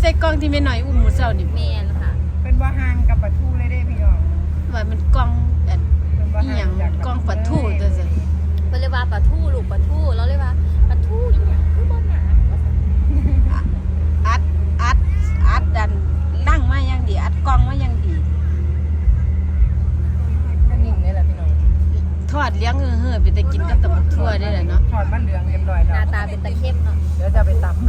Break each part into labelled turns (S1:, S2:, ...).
S1: ส่กล้องที่แม่หน่อยอุ้มหมูเศร้านี่
S2: แม่นค่ะ
S3: เป็นว่าห่างกับปลาทูเลยเด้พี่น้อง
S1: ว่ามันกล้องอัน
S3: เป็นว่า
S1: อีห
S3: ห่า
S1: ยัง
S3: งจาก
S1: กล้องปะทูตัวซั่น
S2: เพิ่นเรียกว่าปลาทูลูกปลาทูแล้วเรียกว่าปลาทูอีหยังคือบ่หนาว่าซั่น
S1: อัดดันนั่งมาอย่างดีอัดกล้องมาอย่างดี
S3: ก็นิ่งนี่แหละพี่น้อง
S1: ทอดเลี้ยงเฮ้อๆไปแต่กินกับตำบักทั่วได้แหละเนาะ
S3: ทอดมันเหลืองเรียบร้อย
S2: ห
S3: แล้
S2: น้าว ตาเป็นตะเข้มเนาะ
S3: เดี๋ยวจะไปตำ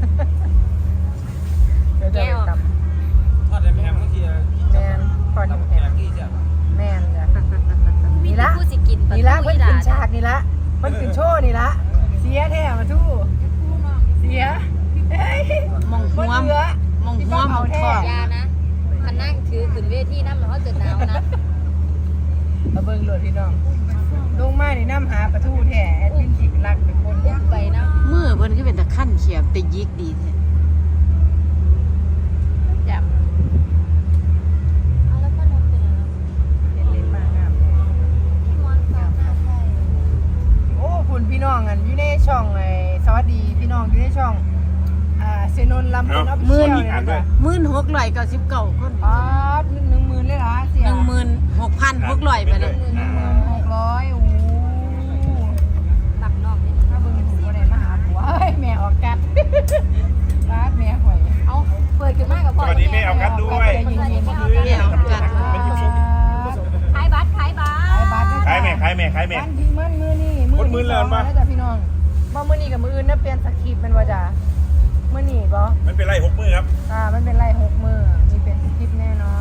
S3: เดี๋ยวจะไปตำ
S4: ทอดได้แพงบางที
S3: แมนทอด
S4: ตำ
S3: แพ
S4: แพ
S3: ง
S4: งที่จะ
S3: แมนจ้ะ
S2: มี
S3: นี่
S2: แต่
S3: ละ
S2: ผู้สิกินปลา
S3: นี่
S2: ทู
S3: ละมัน
S2: อีห
S3: ขึ้
S2: ลาน
S3: ฉากนี่ละมันขึ้นโชว์นี่ละเสียแท้มาทู่เสียเฮ้ย
S1: มองหัว
S3: เหลือ
S1: มองหัวมองท้อง
S2: ยานะคันนั่งถือขึ้นเวทีนำแล้วเกิดหนาวนะ
S3: มาเบิ่งโหลดพี่น้องลงมานี่น้ำหาปลาทูแท้แอดมินจิกรักเป็นคน
S2: อุ้มไปนะ
S1: มือเพิ่นคือเป็นตะคั่นเขียบแต่ยิกดีแท้
S2: จับเอาแล้วพ่อนมเป็นอะไร
S3: เล่นมากงามเลย
S2: พี่มอนตามหน้าใช่
S3: โอ้คุณพี่น้องอันอยู่ในช่องไอ้สวัสดีพี่น้องอยู่ในช่องเซนนท์ลำพูนออฟฟิเชียลเนี่ยนะจ๊ะ
S1: 1699คน
S3: อ๋อ10,000เลยเหรอเสีย
S1: 16,600ไปเลย
S3: 16,600โอ้
S2: หลักนอกนี่
S3: ถ้าเบิ่งดูก็ได้มาหาผัวเฮ้ยแม่ออกกัดบาดแม่หอย
S2: เอาเปิดขึ้นมากับพ่อ
S4: สวัสดีแม่เอากันด้วย
S1: แม่ออกกัด
S2: ขายบัตรขายบัตร
S4: ขายแม่ขายแม่ขายแม่
S3: วันที่มันมือนี่
S4: คนมื้อแล้วมั้ย
S3: จ้ะพี่น้องบ่มื้อนี้กับมื้ออื่นนะเปลี่ยนสคริปต์แมันว่าจ้ะมื้อนี้บ่
S4: มันเป็นไร6 มื้อครับ
S3: มันเป็นไล่6มื้อมีเป็นสคริปต์แน่นอน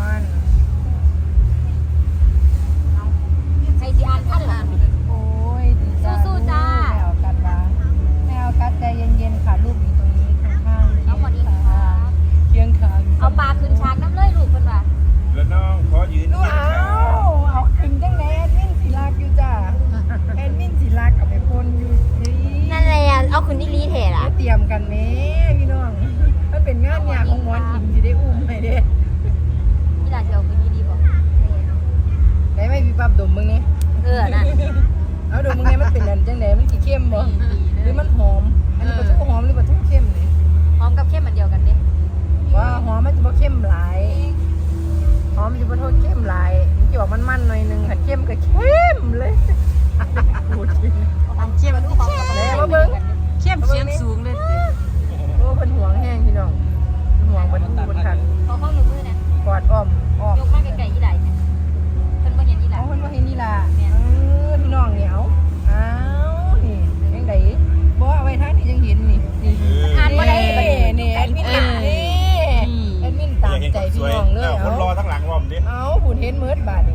S2: ใครสิอ่านท่านล่ะ
S3: โอ้ยดีจ้า
S2: สู้ๆจ้า
S3: แม่ออกกัดบ้าแม่ออกกัดใจเย็นๆค่ะลูกอยู่ตรงนี้ข้างๆ
S2: เอาหมดอีกค่ะ
S3: เคียงข้าง
S2: เอาปลาขึ้นฉากน้ำเลยลูกเพิ่นว่า
S4: แล้วน้องขอยืน
S3: ดูเอาขึ้นจังไหนแอดมินสิรักอยู่จ้าแอดมินสิรักเอาไปพ่นอยู่นี่
S2: นั่นแหละเอาขึ้นที่ลีเทล่ะ
S3: เตรียมกันแม่พี่น้องมันเป็นงานยากของหมอนอิมสิได้อุ้มให้เด้
S2: นี่ล่ะสิเอาขึ้นที่ดีบ่
S3: ได้ไหมพี่ปั๊บดมมึงนี่
S2: นั่น
S3: เอาดมมึงนี่มันเป็นอันจังไหนมันสิเข้มบ่หรือมันหอมอันนี้ปลาทูหอมหรือปลาทูเข้มนี่
S2: พร้อมกับเข้มอันเดียวกันเด้
S3: ว่าหอมมันจะบ่เข้มหลายหอมมันจะบ่โทษเข้มหลายมันจะบอกมันๆหน่อยนึงถ้าเข้มก็เข้มเลยพูดจริง
S1: อันเข้ม
S3: แล้วมาเบิ่ง
S1: เข้มเสียงสูงเลยติ
S3: โอ้เพิ่นห่วงแห้งพี่น้องห่วงเพิ่นอู้เพิ่นคัก
S2: ขอข้อมือนะ
S3: กอดอ้อม
S2: ยกมาไกลๆอีหลายเพิ่นบ่เห็นอีหลา
S3: เอาเพิ่นบ่เห็นนี่ล่ะพี่น้องเหนียวอ้าวนี่จังไดบ่เอาไว้ทางนี้จังเห็นนี่นี่
S2: อ่านบ่ได้
S3: นี่แอดมินนี่แอดมินตามใจพี่น้องเลย
S4: คนรอ
S3: เอา
S4: ทั้งหลังว่าผมดิ
S3: เอาหุ่นเห็นเมิดบาดนี่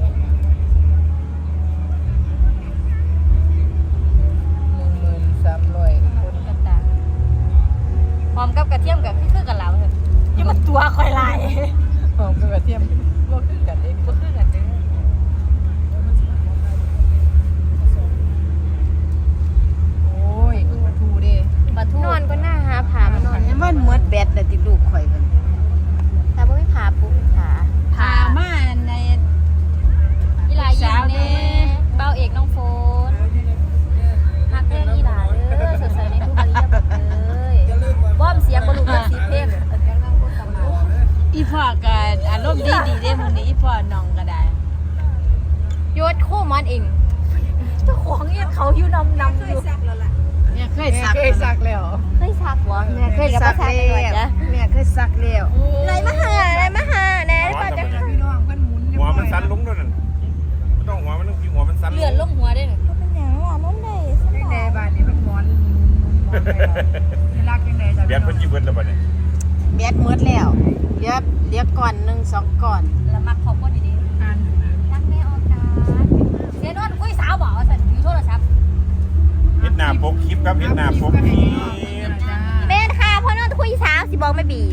S3: 13,000คน
S2: ต่างๆพร้อมกับกระเทียมกับคือกันแล้วเถอะอย่ามาตัวคอยลาย
S3: หอมกับกระเทียมบ่คือกันเด้
S2: บ่คือกันเด้อ
S3: โอ้ยคือปลาทูเด้
S2: ปลาทูนอนก็น่าหาผามานอน
S1: อันมันหมดแบตแล้วติลูกข่อยเพิ่น
S2: แต่บ่มีผาปูผา
S1: พามาใน
S2: อีหลายิงแน่เบ้าเอกน้องโฟนฮักเพลงอีหลาเด้อสดใสในทุกอริยบทเลยบ้อมเสียงบ่รู้จักสีเพลงเสียงนางพูดกลับมา
S1: อีพ่อก็อารมณ์ดีเด้มื้อนี้อีพ่อน้องก็ได้
S2: โยดคู่มันเองเจ้าของเนี่ยเขาอยู่นำอยู่
S1: เนี่ยเคยสัก
S3: เคยสักแล้ว
S2: เคยซักบ่แม่เคยกับบ่ซักกันด้วยจ้ะ
S1: แม่เคยสักแล้ว
S2: ไหนมาหาแน่ป่ะจะ
S3: พี่น้องเพิ่นหมุน
S4: หัวมันสั้นลงด้วยนั่นไม่ต้องหัวมันต้องหัวมันสั้น
S2: เลื่อนลงหัวได้หนึ่งเป็นหยังล่ะน้องได้
S3: จังไดบาดนี้มันหมอนนี่รักจังไดจ้ะ
S4: เบียดเพิ่นจีเพิ่นแล้วบัดนี้
S1: แบตหมดแล้วเหลือก่อน1 2ก่อน
S2: แล้วมักขอบคุณดี
S3: อ่าน
S2: ๆรักแม่ออกการเสียนอนคุยสาวบ่สั่นอยู่โทรศัพท์
S4: เฮ็ดหน้าปกคลิปครับเฮ็ดหน้าปกคลิป
S2: แม่ค่ะพ่อนอนคุยสาวสิบอกไม่บี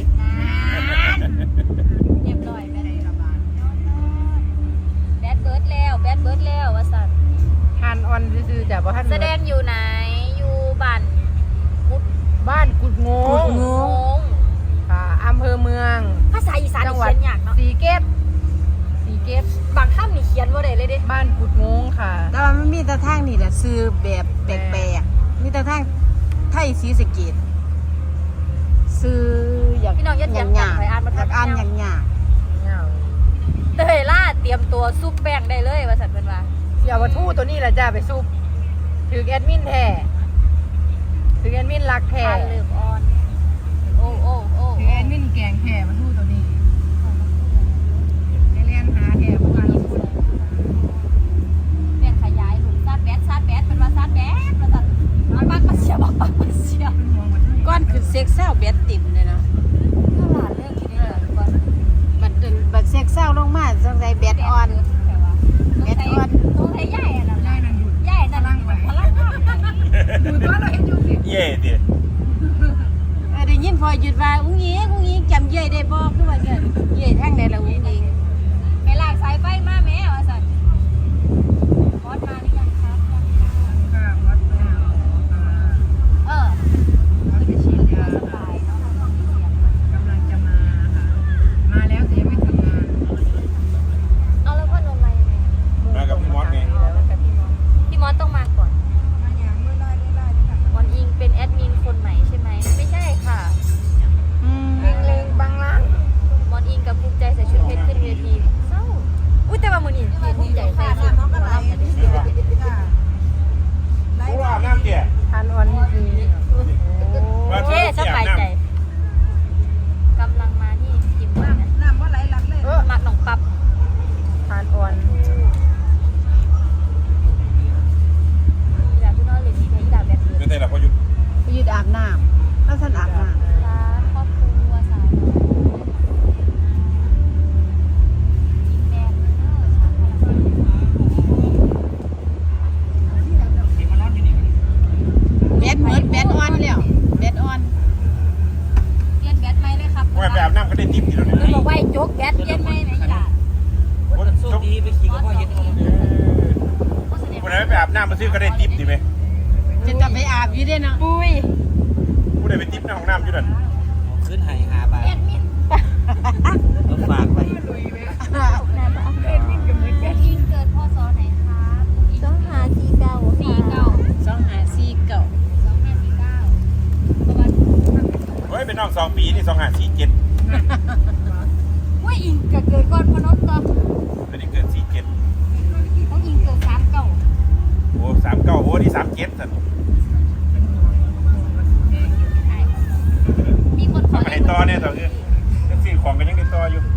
S2: เรียบร้อยแม่ได้ระบาดแบดเบิร์ดแล้วว่าสั่น
S3: ทานออนซื่อๆจ้ะบ่ทัน
S2: แสดงอยู่ไหนอยู่บ้านกุด
S3: บ้านกุดง
S1: กุด
S3: ง
S1: ง
S2: ง
S3: ค่ะอำเภอเมือง
S2: ภาษาอีสาน
S3: จัง
S2: นี่
S3: หวัด
S2: เขียนยากเนาะ
S3: สีเกตสีเกต
S2: บางคำนี่เขียนว่าได้เลยเด้
S3: บ้านกุดงงค่ะ
S1: แต่ว่ามันมีแต่ทางนี่แหละซื้อแบบแปลกๆมีแต่ทางไทยศรีสะเกษซื้อห
S2: พี่น้องอย่าเถียงกันไปอ่านมา
S1: อยากอ่านอย่างยาก
S3: เงา
S2: เตยล่าเตรียมตัวซุปแป้งได้เลยว่าสันเป็นว่า
S3: เสี่ยววัตถุตัวนี้แหละจ้าไปซุปถือแอดมินแท้ถือแอดมินรักแท้
S2: อ่านเริ่มออน โอ้โอ้โอ้
S3: ถือแอดมินแกงแท้วัตถุตัวนี้ไปเรียนหาแท้พวกเราพูด
S2: เปลี่ยนขยายหลุมซาดแบดเป็นว่าซาดแบดว่าสันมันปักมาเสียบอกปักมาเสีย
S1: ก้อนคือเซ็กเศร้าเบ็ดติ่มเลยเนาะ
S2: ถ้าหลานเรื่องคิดได้เลยก่อน
S1: บัดเซ็กเศร้าลงมาสงสัยเบ็ดอ่อน
S2: เบ็ดอ่อนต้องใช้ใหญ่อะนะ
S3: ได้นั่นอยู่
S2: ใหญ่นั่นพลัง
S3: ดูตัวเราเห็นอยู่สิ
S4: เย่ดิ
S1: ได้ยินพอหยุดว่าอุ้งยิงจำเย่ได้บ่คือว่าจะเย่ทางใดล่ะอุ้งยิง
S2: ไปลากสายไฟมาแม่ว่าสันบอสมาหรือยังครับยังค่ะ
S3: ค่ะวัดแม่
S2: เออ
S3: วัดไปฉีดยา
S2: สบายเนาะทำความเสียง
S3: กำลังจะมาค่ะมาแล้วแต่ยังไม่ทำงาน
S2: เอาแล้วพ่อนลงมายังไง
S4: มากับพี่มอสไง
S2: พี่มอสต้องมาก่อน
S3: มาอย่างเมื่อไรค่ะ
S2: มอนอิงเป็นแอดมินคนใหม่ใช่ไหมไม่ใช่ค่ะ
S3: เล็งบางล่าง
S2: มอนอิงกับภูมิใจใส่ชุดเพชรขึ้นเวทีเศร้าอุ้ยแต่ว่ามือนี่ภูมิใจใส่ชุดน้องอะไร
S4: ผู้อาบน้ำเจี๊ย
S3: ทานอ่อนนี่คือ
S2: โอเคสบายใจกำลังมานี่จิ้มมากนะ
S3: น้ำว่าไหลหลักเลย
S2: มักหนองปับ
S3: ทานอ่อน
S2: อยากพี่น้อยเลยที่ไทยดาวแบบนี้
S4: เป็นไงล่ะพอหยุด
S1: ไปยืดอาบน้ำแล้วท่านอาบน้
S2: ร้านครอบครัวสาวน้อยจิ้มแดงเลยเนอะชาไทย
S1: ำเบ็ดเมิดเบ็ดอ่อนแล้วเบ็ดอ่อน
S2: เรียนแบทไหมเลยครับ
S4: ว่าไปอาบน้ำก็ได้ติ๊บทีเดียว
S2: คุณ
S4: เนี่ย
S2: บอกว่าโจ๊กแบทเรียนไหมไหนล่ะ
S4: คนโชคดีไปขี่กับพ่อเย็นคนไหนไปอาบน้ำมาซื้อก็ได้ติ๊บดีไหม
S1: จะไปอาบอยู่ได้เนาะ
S2: ปุ้ย
S4: ผู้ใดไปติ๊บในห้องน้ำอยู่นั่น
S5: ขึ้นไห้5 บาท
S2: แอดมิน
S5: ต้องฝากไว้
S2: แอดมินเกิดพศไหนครับ2549
S1: 2549
S2: ประมาณ
S4: เฮ้ยเป็นน้อง2 ปีนี่2547
S2: ว่าอิงเกิดก่อนพนมตัว
S4: อันนี้เกิด47
S2: ต้องอิงเกิด39
S4: โอ้39โอ้นี่37สัน
S2: มีคนขอ
S4: ทำให้ต่อเนี่ยต่อคือจังซี่ของกันยังได้ต่ออยู่